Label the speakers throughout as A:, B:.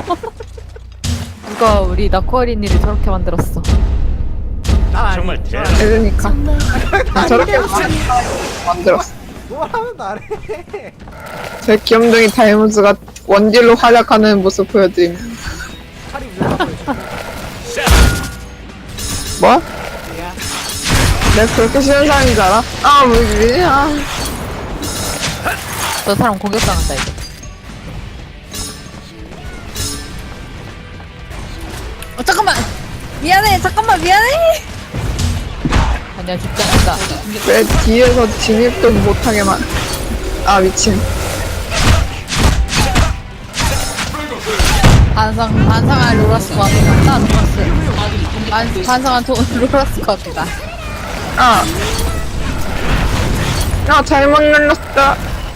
A: 누가 우리 나코아리니를 저렇게 만들었어.
B: 정말
C: 그러니까 저렇게 만들었어.
D: 뭘 하면 나래.
C: 제 귀염둥이 다이무스가 원딜로 활약하는 모습 보여드립니다.
D: 팔이 위험하고
C: 뭐?
D: 야.
C: 내가 그렇게 쉬운 사람인 줄 알아? 아 뭐지? 아.
A: 저 사람 공격당한다 이제.
E: 잠깐만. 미안해. 잠깐만 미안해.
A: 아니야 죽지 않는다.
C: 왜 뒤에서 진입도 못하게만. 아 미친.
E: 반상한 로라스 것 같다. 로라스. 반상한 로라스 것 같다.
C: 아. 아 잘못 눌렀다.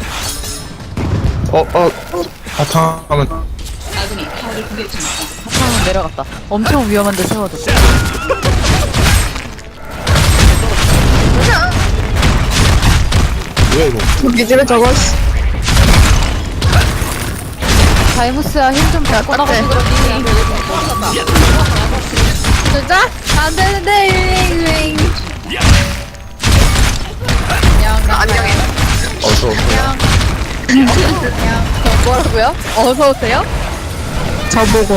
F: 바탕은
A: 한탕은 내려갔다. 엄청 위험한데 세워도.
F: 뭐야 이거?
C: 저기 집에 저거.
A: 다이무스야 힘 좀 잘 꺼나가지고 그러니.
E: 진짜? 안 되는데 유행.
C: 안녕해.
F: 어서
E: 뭐라고요? 어서 오세요?
C: 저보고.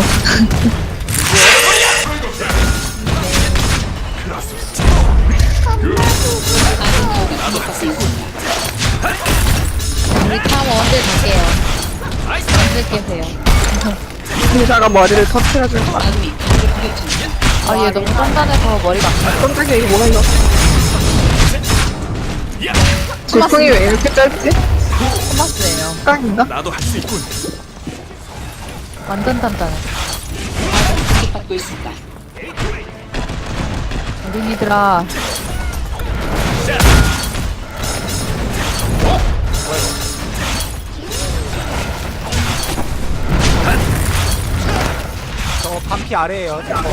E: 우리 탐 언제 갈게요? 언제 깨세요?
C: 의사가 머리를 터트려줄 거야.
A: 아 얘 너무 단단해서 머리가 안 가.
C: 깜짝이야 이게 뭐가 이거? 질풍이 왜 이렇게 짧지?
E: 토마스예요.
C: 깡인가?
B: 나도 할 수 있군.
A: 완전 단단해. 어린이들아.
D: 저 반피 아래에요. 저거.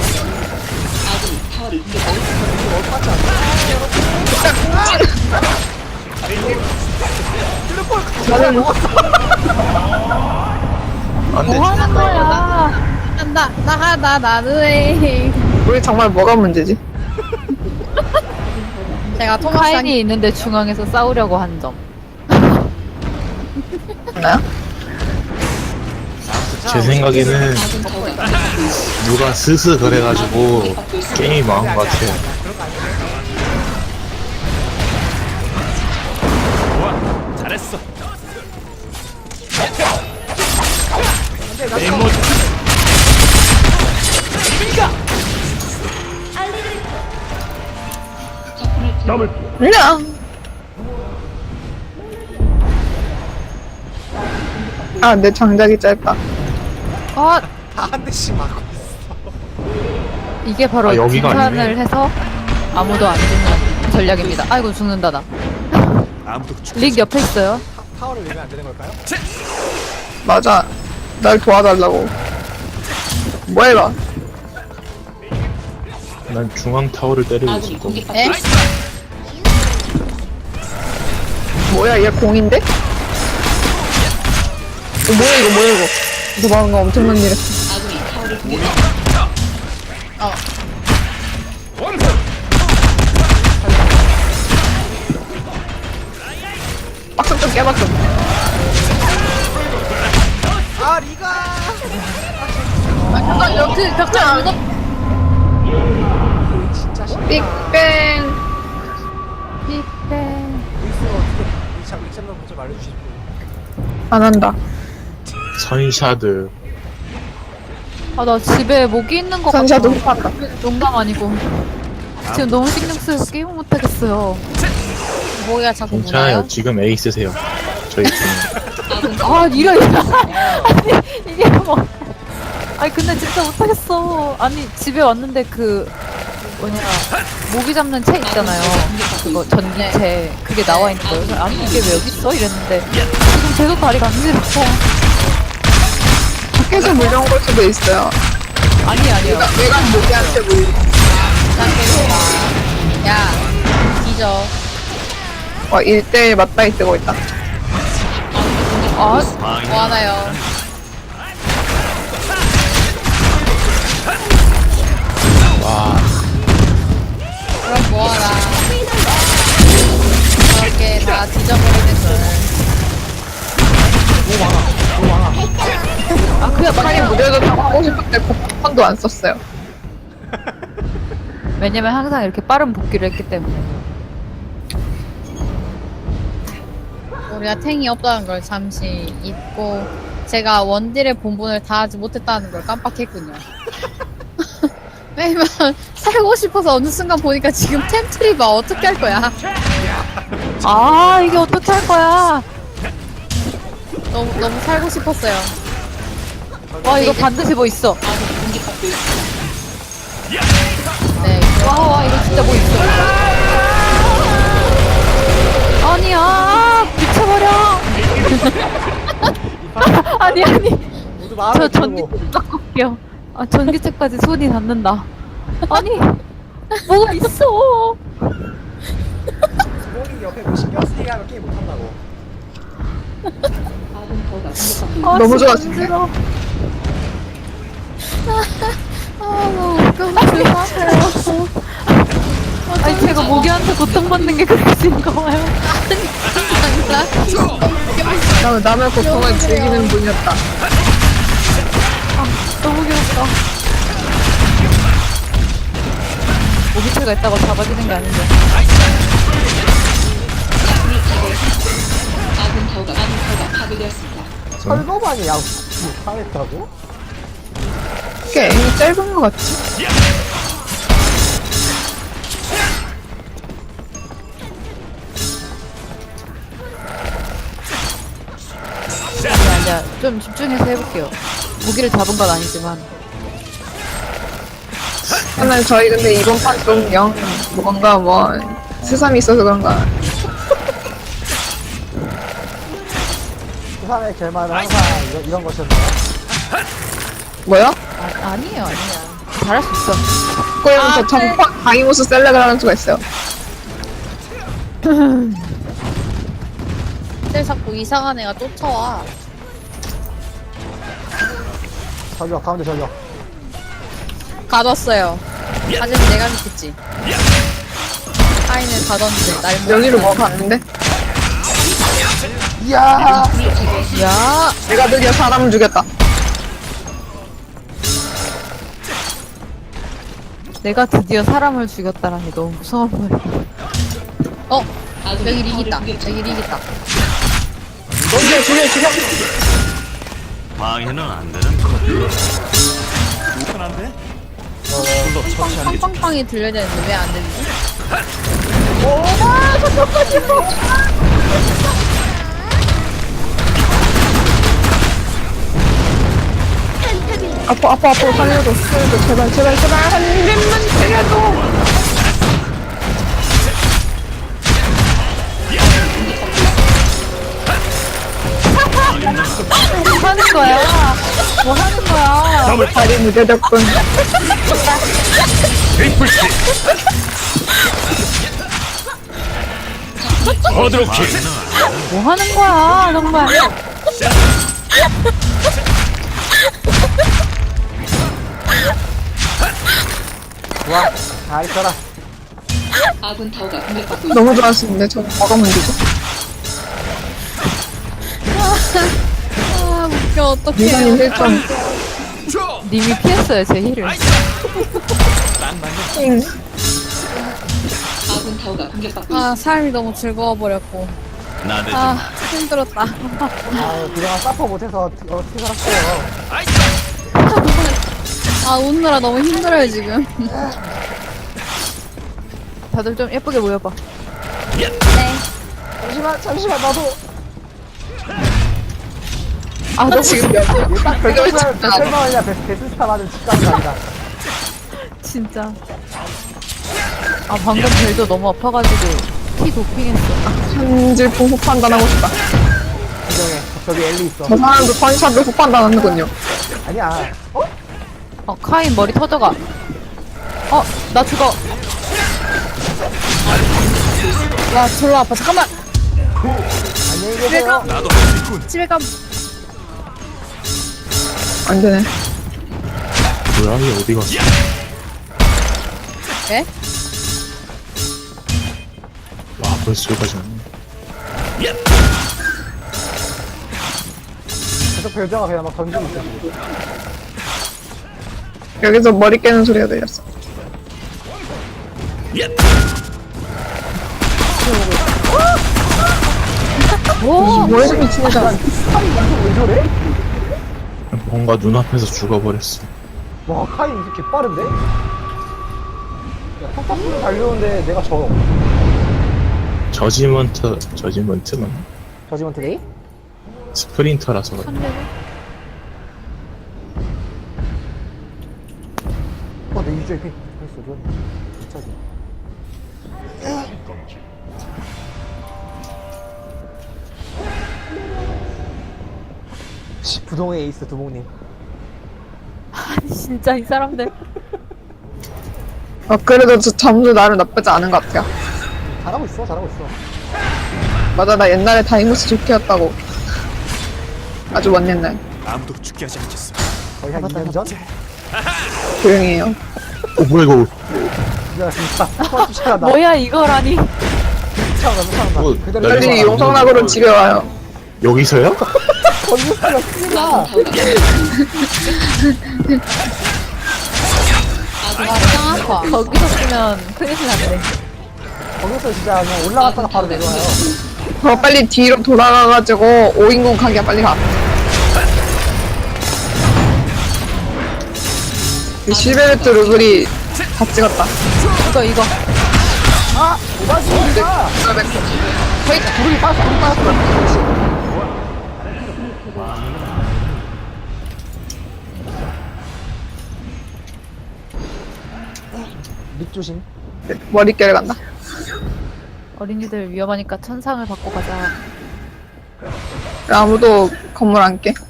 C: 저는 뭐
F: 안돼.
A: 뭐 하는 거야?
E: 나는
C: 우리 정말 뭐가 문제지?
E: 제가 토마스
A: 카인이 있는데 중앙에서 싸우려고 한 점.
C: 나요?
F: 제 생각에는 누가 스스 그래가지고 게임이 망한 것 같아요.
B: 좋아, 잘했어. 내 모습
C: 그냥. 아, 내 장작이 짧다.
A: 아
D: 다 한 대씩 맞고 있어.
A: 이게 바로
F: 아, 여기가
A: 등산을
F: 아니네.
A: 해서 아무도 안 죽는 전략입니다. 아이고 죽는다 나.
B: 아무도 죽.
A: 릭 옆에 있어요.
D: 타워를 내면 안 되는 걸까요?
C: 맞아. 날 도와달라고. 뭐해봐.
F: 난 중앙 타워를 때리고 있을 거.
E: 에?
C: 뭐야, 얘 공인데? 뭐야, 이거, 뭐야, 이거. 도망가 엄청난 일 했어. 박수 좀 깨박수.
D: 아 리가.
E: 잠깐 여기 벽장 묻어.
D: 진짜 싫어.
C: 빅뱅.
A: 빅뱅.
D: 루이스가 어떻게 위참을 먼저 말해주시고.
C: 안 한다.
F: 선샤드.
A: 아 나 집에 모기 있는 거 같아.
C: 선샤도 흡한다.
A: 농담 아니고. 지금 너무 신경 쓰여서 게임을 못 하겠어요.
E: 뭐야 자꾸
F: 괜찮아요.
E: 무나요?
F: 지금 에이스세요. 저희 팀은.
A: 아 이런 아니 이게 뭐. 아니 근데 진짜 못 하겠어. 아니 집에 왔는데 그 뭐냐 모기 잡는 채 있잖아요. 그거 전기채 그게 나와 있는 거예요. 그래서 아니 이게 왜 여기 있어? 이랬는데 지금 계속 다리 간지럽고.
C: 밖에서 물려온 걸 수도 있어요.
A: 아니에요.
C: 외관 모기한테 물려.
E: 야 뒤져.
C: 1대1 맞다이 뜨고 있다.
A: 아
E: 뭐 하나요? 다 뒤져버리는 걸.
A: 아 그야
C: 아니
A: 맞아요.
C: 무대도 하고 싶을 때 복판도 안 썼어요.
A: 왜냐면 항상 이렇게 빠른 복귀를 했기 때문에.
E: 우리가 탱이 없다는 걸 잠시 잊고 제가 원딜의 본분을 다하지 못했다는 걸 깜빡했군요. 왜냐면 살고 싶어서 어느 순간 보니까 지금 템트리바 어떻게 할 거야?
A: 아 이게 어떻게 할 거야?
E: 너무 살고 싶었어요.
A: 와 이거 반드시 뭐 있어.
E: 네.
A: 와 이거 진짜 뭐 있어. 아니야 미쳐버려. 아니
D: 모두
A: 저
D: 마음을
A: 전기책 갖고 올게요. 아 전기책까지 손이 닿는다. 아니 뭐가 있어.
D: 부모님 옆에 뭐 신경 쓰이게 하면 게임 못한다고.
A: 아,
C: 너무
A: 진짜
C: 좋았어.
A: 힘들어.
E: 너무 그만하세요.
A: 아니 제가 모기한테 고통받는 게 그렇게 즐거워요.
C: 나는 남의 고통을 즐기는 분이었다.
A: 너무 귀엽다. 모기채가 있다고 잡아지는 게 아닌데.
D: 철거반이 약 못하겠다고?
C: 꽤 애이 짧은 것 같지?
A: 아니야 좀 집중해서 해볼게요. 모기를 잡은 건 아니지만.
C: 오늘 저희 근데 이번 판 좀 영 뭔가 뭐 세상이 있어서 그런가
D: 부산의 결말은 항상 이런 것이었나요?
C: 뭐요?
A: 아니에요. 잘할 수 있어.
C: 그럼 저 전판 강이모스 셀렉을 하는 수가 있어요.
E: 근데 자꾸 이상한 애가 쫓아와.
D: 저기요, 가운데 저기요.
E: 가뒀어요. 하지만 내가 믿겠지. 카인을 가뒀는데 날 못.
C: 여기로 뭐 갔는데?
D: 이야!
A: 야
C: 내가 드디어 사람을 죽였다.
A: 내가 드디어 사람을 죽였다라니 너무 무서운 말이야.
E: 어? 여기 릭 있다. 여기 릭 있다.
B: 방해는 안 되는 거. 불편한데? 불로 처치하는 게 좋
E: 빵빵빵이 들려야 되는데 왜 안 들리지?
C: 아파 살려줘 제발 한 입만 살려줘.
A: 뭐 하는 거야? 뭐 하는 거야?
C: 다리 무대 덕분
B: 트리플 킬. 어드로킥.
A: 뭐 하는 거야 정말.
D: 좋아, 잘 있어라.
C: 너무 좋았었는데 저 뭐가 문제죠?
E: 아 웃겨 어떡해.
C: 미사님 실점.
A: 님이 피했어요 제 힐을.
E: 아 삶이 너무 즐거워버렸고.
B: 나대지
E: 아
B: 마.
E: 힘들었다.
D: 아, 그동안 사퍼 못해서 어떻게 살았어요?
E: 아 웃느라 너무 힘들어요 지금.
A: 다들 좀 예쁘게 모여봐.
E: 네.
D: 잠시만, 나도.
A: 아 너무
C: 지금 몇
D: 딱
C: 그게 왜
D: 100만 원이야, 베스스타 받은 직감이 아니다.
A: 진짜. 아 방금 벨도 너무 아파가지고 피 도핑했어.
C: 한질풍 후판단하고 싶다.
D: 진정해. 저기 엘리 있어.
C: 저 사람도 펀샵을 후판단하는군요.
D: 아니야.
A: 카인 머리 터져가. 나 죽어.
E: 와 졸라 아파. 잠깐만.
D: 안녕히 계세요.
B: 나도 할 수 있군.
E: 집에 가.
C: 안 되네.
F: 고양이 어디 갔어?
E: 네?
F: 와 벌써 여기까지 왔네.
D: 계속 별자가 그냥 막 던지고 있어. 지금.
C: 여기서 머리 깨는 소리가 들렸어. 뭐야 저 미친 애잖아.
D: 왜 저래?
F: 뭔가 눈앞에서 죽어버렸어.
D: 와 카인 이렇게 빠른데? 야 톡톡으로 달려오는데 내가 져.
F: 저지먼트만
D: 저지먼트 데이?
F: 스프린터라서 그래.
D: 내 유저의 피. 됐어 좋아. 진짜지. 부동의 에이스 두목님.
A: 아니 진짜 이 사람들.
C: 그래도 저 점수 나름 나쁘지 않은 것 같아요.
D: 잘하고 있어 잘하고 있어.
C: 맞아, 나 옛날에 다이모스 좋게 했다고. 아주 먼 옛날.
B: 아무도 죽게 하지 않겠어.
D: 거의 한 2년 전?
C: 조용히 해요.
F: 뭐야 이거?
D: 야 진짜 쫓아간다.
A: 뭐야 이거라니.
D: 쫓아간다.
F: 뭐,
D: 그대로
F: 날
C: 빨리
F: 쫓아간다.
C: 용성락으로 집에 와요.
F: 여기서요?
D: 건물수가 쓰나?
E: 짱 아파.
A: 거기서 쓰면 큰일 났네.
D: 거기서 진짜 그냥 올라갔다가 바로 내려와요.
C: 빨리 뒤로 돌아가가지고 5인공 가기야 빨리 가. 이 실베르트 루블이 다 찍었다.
A: 이거
D: 아! 오바지 우리가!
C: 거의
D: 구름이 빠졌어 구름이 빠졌어. 그렇지. 립 조심.
C: 머릿결에 간다.
A: 어린이들 위험하니까 천상을 받고 가자.
C: 아무도 건물 안 깨.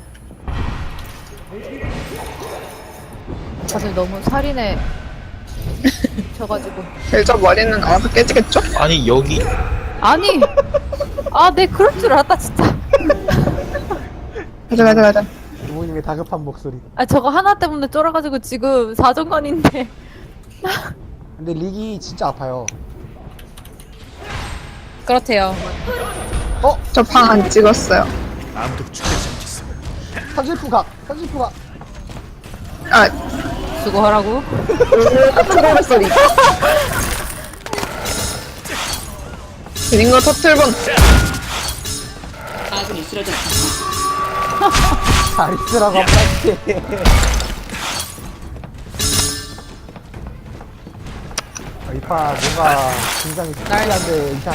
A: 다들 너무 살인에 져가지고.
C: 저 머리는 알아서 깨지겠죠?
F: 아니 여기
A: 아니! 내 그럴 줄 알았다, 진짜.
C: 가자.
D: 부모님의 다급한 목소리.
A: 저거 하나 때문에 쫄아가지고 지금 4정관인데.
D: 근데 릭이 진짜 아파요.
E: 그렇대요.
C: 저 방 안 찍었어요.
B: 아무도 죽게 하지 않겠어.
D: 산실프각.
C: 아,
A: 수고하라고.
C: 트롤 소리. 드린 거 터틀본.
D: 잘 있으라고 한 마디. 이파 뭔가 굉장히 특이한데 이상해.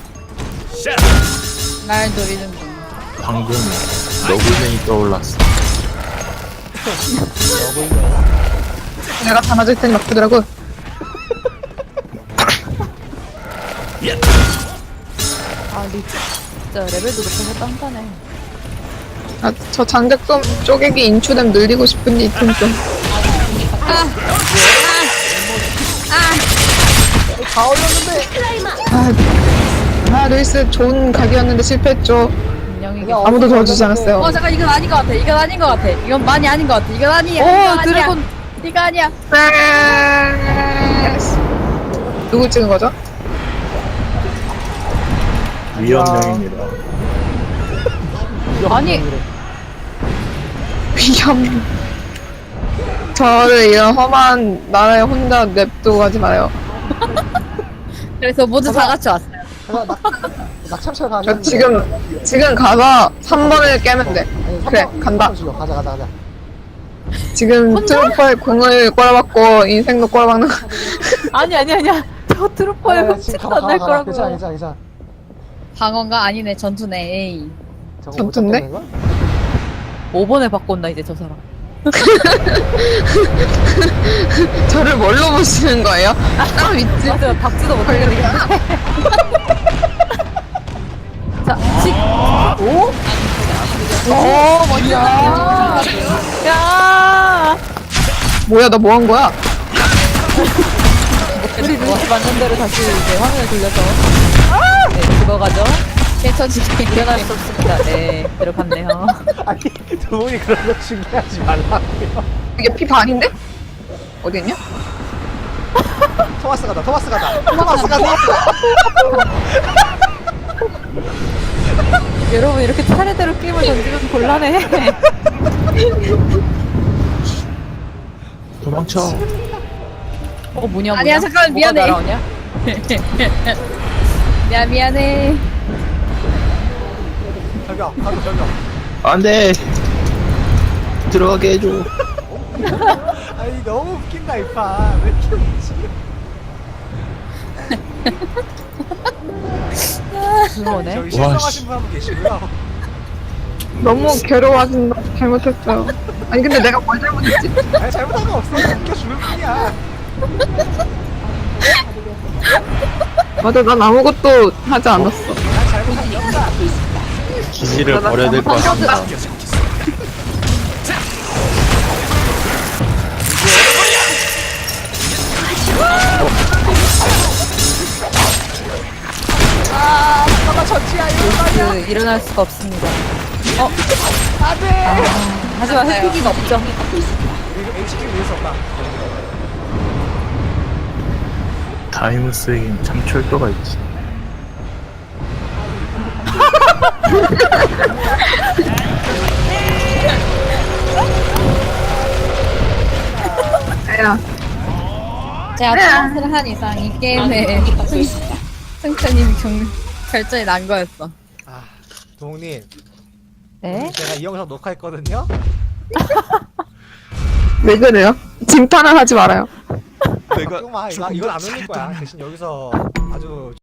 E: 날 노리는 분.
F: 방금 너구쟁이 떠올랐어.
C: 내가 다 맞을 테니 막히더라고.
A: 진짜 레벨도 높아서 딴딴해.
C: 저 장작돔 쪼개기 인추됨 늘리고 싶은데 이틈 좀.
D: 다 올렸는데.
C: 루이스 좋은 각이었는데 실패했죠.
A: 인형이게.
C: 아무도 도와주지 않았어요.
E: 잠깐 이건 아닌 것 같아. 이건 아닌 것 같아. 이건 많이 아닌 것 같아. 이건 아니야.
A: 오, 드래곤.
E: 이거 아니야.
C: 누구 찍은 거죠?
F: 위험령입니다.
A: 아니.
C: 위험. 저를 이런 험한 나라에 혼자 냅두고 가지 마요.
E: 그래서 모두 다 같이 왔어요.
D: 낙참철 가는.
C: 저 지금 가서 3번을 깨면 돼. 그래, 간다.
D: 가자.
C: 지금 트루퍼의 공을 꼬라박고 인생도 꼬라박는 거.
A: 아니야. 저 트루퍼에 훔치도 안 될 거라고.
D: 괜찮아.
E: 방어가 아니네. 전투네. 에이.
D: 저거
C: 전투인데?
D: 못 잡겠는 걸?
A: 5번에 바꾼다, 이제 저 사람.
C: 저를 뭘로 보시는 거예요? 딱 믿지?
A: 맞아요, 박지도 못하겠네. 자,
D: 오?
C: 뭐야.
A: 야!
C: 뭐야, 나 뭐 한 거야?
A: 우리 루이스 맞는 대로 다시 이제 화면을 돌려서. 네, 죽어가죠.
E: 깨쳐지게.
A: 일어날 수 없습니다. 네, 들어갔네요.
D: 아니 두분이 그런 거 중요하지 말라고요.
C: 이게 피 반인데? 어디 있냐?
D: 토마스 가다.
A: 여러분 이렇게 차례대로 게임을 던지면 곤란해.
F: 도망쳐.
A: 뭐냐
E: 아니야, 잠깐만,
A: 뭐가
E: 미안해.
A: 날아오냐?
E: 미안해.
D: 저기요, 가도 저기요.
F: 안돼. 들어가게 해줘.
D: 아니 너무 웃긴다 이 판. 왜 이렇게 웃지?
A: 그러네.
D: 저기
F: 와,
D: 실성하신 분 한 분 계시고요.
C: 너무 괴로워진다. 잘못했어요. 아니 근데 내가 뭘 잘못했지?
D: 아니 잘못한 거 없어. 웃겨 죽을 뿐이야.
C: 맞아, 난 아무것도 하지 않았어.
D: 난 잘못한 게 없다.
F: 기지를 버려야 될 것 같아.
A: 아,
B: 죽여야지 않겠어.
A: 일어날 수가 없습니다. 안돼. 하지만 회피기가 없죠.
D: 이거 HQ 위해서 없다.
F: 타임스에겐 참 철도가 있지.
C: 야,
E: 제가 토마스를 한 이상 이 게임에 승천님이 결정이 난 거였어.
D: 아, 동욱님.
A: 네.
D: 제가 이 영상 녹화했거든요.
C: 왜 그래요? 짐탄을 하지 말아요.
B: 내가
D: 걱정 마. 이건 안 올릴 거야. 대신 여기서 아주